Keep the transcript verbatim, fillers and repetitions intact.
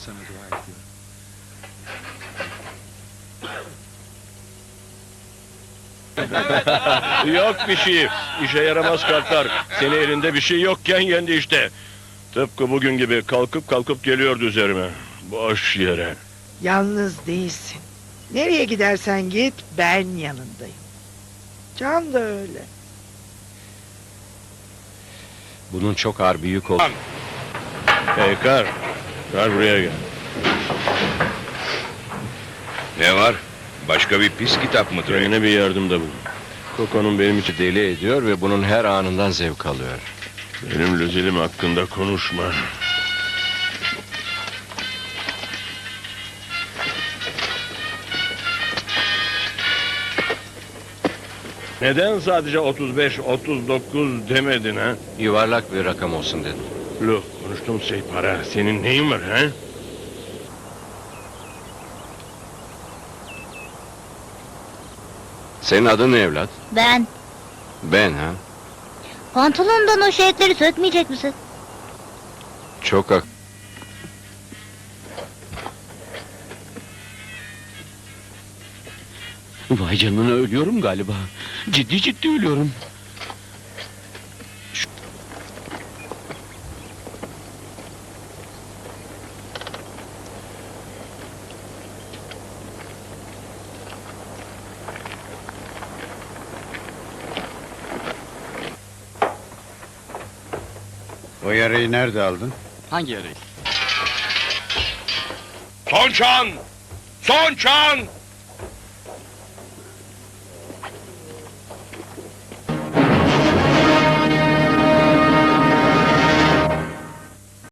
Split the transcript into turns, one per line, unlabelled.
sana dua ediyorum.
Yok bir şey. İşe yaramaz kartlar. Seni elinde bir şey yokken yendi işte. Tıpkı bugün gibi kalkıp kalkıp geliyordu üzerime. Boş yere.
Yalnız değilsin. Nereye gidersen git ben yanındayım. Can da öyle.
Bunun çok ağır bir yük oldu.
Hey kar. Kar buraya gel.
Ne var? Başka bir pis kitap mı duruyor?
Kendine bir yardımda bulun. Koko'nun benim için
Deli ediyor ve bunun her anından zevk alıyor.
benim lüzelim hakkında konuşma. Neden sadece otuz beş, otuz dokuz demedin ha?
Yuvarlak bir rakam olsun dedim.
Look, konuştuğum şey para. Senin neyin var ha?
Senin adın ne evlat?
Ben.
Ben ha?
Pantolonundan o şeritleri sökmeyecek misin?
Çok ak...
Vay canına, ölüyorum galiba. Ciddi ciddi ölüyorum.
O yarayı nerede aldın?
Hangi yarayı?
Son çan! Son çan!